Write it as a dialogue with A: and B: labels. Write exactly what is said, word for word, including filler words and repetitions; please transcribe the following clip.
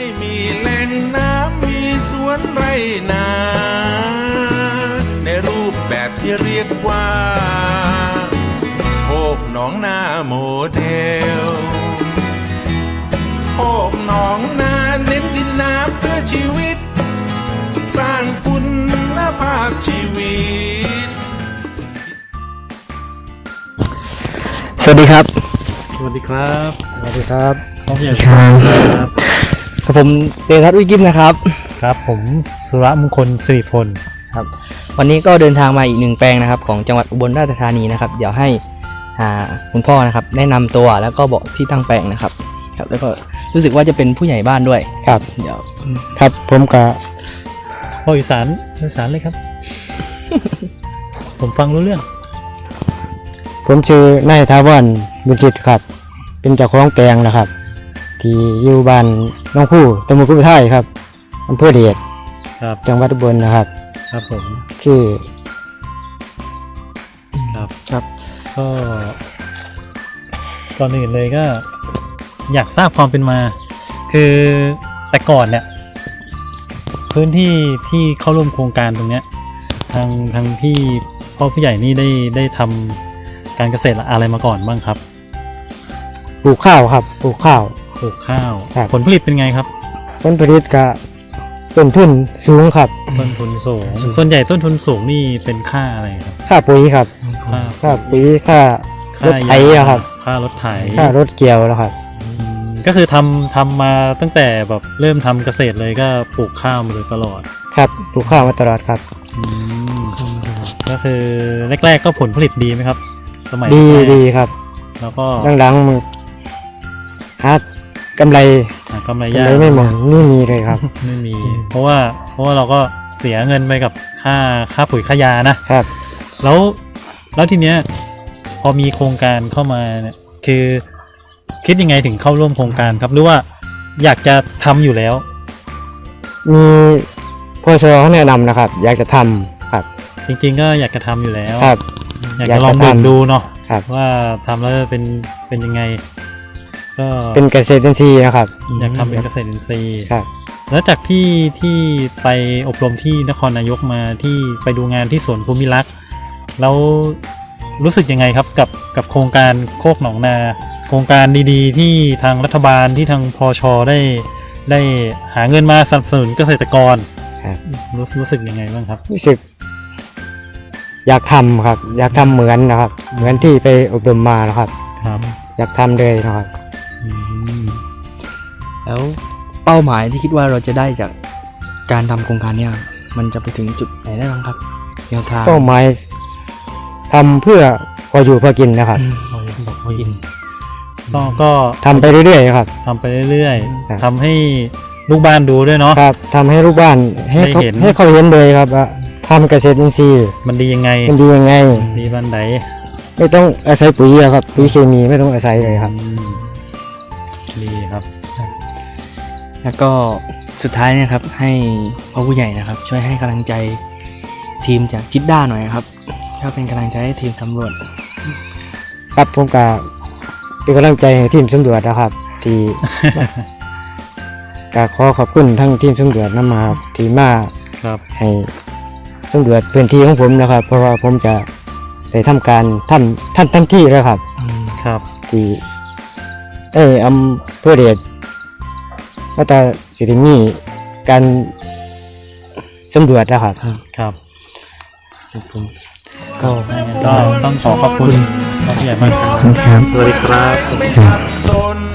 A: มีแหล่งน้ำมีสวนไรนาในรูปแบบที่เรียกว่าโคกหนองนาโมเดลโคกหนองนาเน้นดินน้ำเพื่อชีวิตสร้างคุณภาพชีวิต
B: สวัสดีครับ
C: สวัสดีครับ
B: สวัสดีครับ
C: ผมอยากครับ
B: ผมเตทัศน์วิกิมนะครับ
C: ครับผมสุรมงคลสิริพล
B: ครับวันนี้ก็เดินทางมาอีกหนึ่งแปลงนะครับของจังหวัดอุบลราชธานีนะครับเดี๋ยวให้คุณพ่อนะครับแนะนำตัวแล้วก็บอกที่ตั้งแปลงนะครับครับแล้วก็รู้สึกว่าจะเป็นผู้ใหญ่บ้านด้วย
D: ครับ
B: เดี๋ยว
D: ครับผมกับ
C: พ่ออีสานอีสานเลยครับ ผมฟังรู้เรื่อง
D: ผมชื่อนายทาวรบุญจิตครับเป็นเจ้าของแปลงนะครับที่อยู่บ้านน้องคู่ตำบลกุบไทยครับอำเภอเดช
C: ครับ
D: จังหวัดอุบลนะครับ
C: ครับผม
D: คือ
C: ครับ
B: ครับ
C: ก็ก่อนอื่นเลยก็อยากทราบความเป็นมาคือแต่ก่อนเนี่ยพื้นที่ที่เข้าร่วมโครงการตรงเนี้ยทางทางพี่พ่อผู้ใหญ่นี่ได้ได้ทำการเกษตรอะไรมาก่อนบ้างครับ
D: ปลูกข้าวครับปลูกข้าว
C: ปลูกข้าวผลผลิตเป็นไงครับ
D: ผลผลิตก็ต้นทุนสูงครับ
C: ต้นทุนสูงส่วนใหญ่ต้นทุนสูงนี่เป็นค่าอะไรครับ
D: ค่าปุ๋ยครับ
C: ค่า
D: ค่าปุ๋ยค่ารถไถครับ
C: ค่ารถไถ
D: ค่ารถเกี่ยวแล้วครับ
C: ก็คือทำทำมาตั้งแต่แบบเริ่มทำเกษตรเลยก็ปลูกข้าวมาโดยตลอด
D: ครับปลูกข้าวมาตลอดครับ
C: ก็คือแรกๆก็ผลผลิตดีไหมครับสมัย
D: ดีดีครับ
C: แล้วก็
D: หลังๆหากำไร
C: กำไรยาก
D: ไม่หมดไม่มีเลยครับ
C: ไม่มีเพราะว่าเพราะว่าเราก็เสียเงินไปกับค่าค่าปุ๋ยค่ายานะครับแล้วแล้วทีเนี้ยพอมีโครงการเข้ามาเนี่ยคือคิดยังไงถึงเข้าร่วมโครงการครับหรือว่าอยากจะทำอยู่แล้ว
D: มีพ่อชเขาแนะนำนะครับอยากจะทำครับ
C: จริงๆก็อยากจะทำอยู่แล้ว
D: ครับ
C: อยากจะลองดูดูเนาะว่าทำแล้วเป็นเป็นยังไงก็
D: เป็นเกษตรอินทรีย์นะครับ
C: อยากทำเป็นเกษตรอินทรีย์
D: ครับ
C: แล้วจากที่ที่ไปอบรมที่นครนายกมาที่ไปดูงานที่สวนภูมิรักษ์แล้วรู้สึกยังไงครับกับกับโครงการโคกหนองนาโครงการดีๆที่ทางรัฐบาลที่ทางพช.ได้ได้หาเงินมาสนับสนุนเกษตรกรรู้รู้สึกยังไงบ้างครับ
D: รู้สึกอยากทำครับอยากทำเหมือนนะครับเหมือนที่ไปอบรมมานะครับ
C: ครับ
D: อยากทำเลยนะครับ
B: แล้วเป้าหมายที่คิดว่าเราจะได้จากการทำโครงการเนี่ยมันจะไปถึงจุดไหนได้บ้างครับแนวทาง
D: เป้าหมายทำเพื่อพออยู่พอกินนะครับ
C: พออยู่พอกินก็ก็
D: ทำไปเรื่อยๆครับ
C: ทำไปเรื่อยๆทำให้ลูกบ้านดูด้วยเนาะ
D: ครับทำให้ลูกบ้านให้เขาให้เขาเห็นเลยครับว่าทำเกษตรอินทรีย์
C: มันดียังไง
D: มันดียังไง
C: ดีบ้านไหน
D: ไม่ต้องอาศัยปุ๋ยครับปุ๋ยเคมีไม่ต้องอาศัยเลยครับ
C: ดีครับ
B: แล้วก็สุดท้ายนะครับให้พ่อผู้ใหญ่นะครับช่วยให้กำลังใจทีมจากจิตด้าหน่อยครับถ้าเป็นกำลังใจให้ทีมสำรวจ
D: ครับผมก็เป็นกำลังใจให้ทีมสำรวจนะครับที่ก็ขอขอบคุณทั้งทีมสำรวจนำมาที่มาให้สำรวจพื้นที่ของผมนะครับเพราะว่าผมจะได้ทำการทำท่านทันที่แล้วครับ
C: ครับ
D: ที่เอออำเภอเดชก็จะสิริมีการสำรวจนะครับ
C: ครับ
B: ผม
C: ก็ก็ต้องขอขอบคุณผู้ใหญ่มากครับ
B: สวัสดีครับ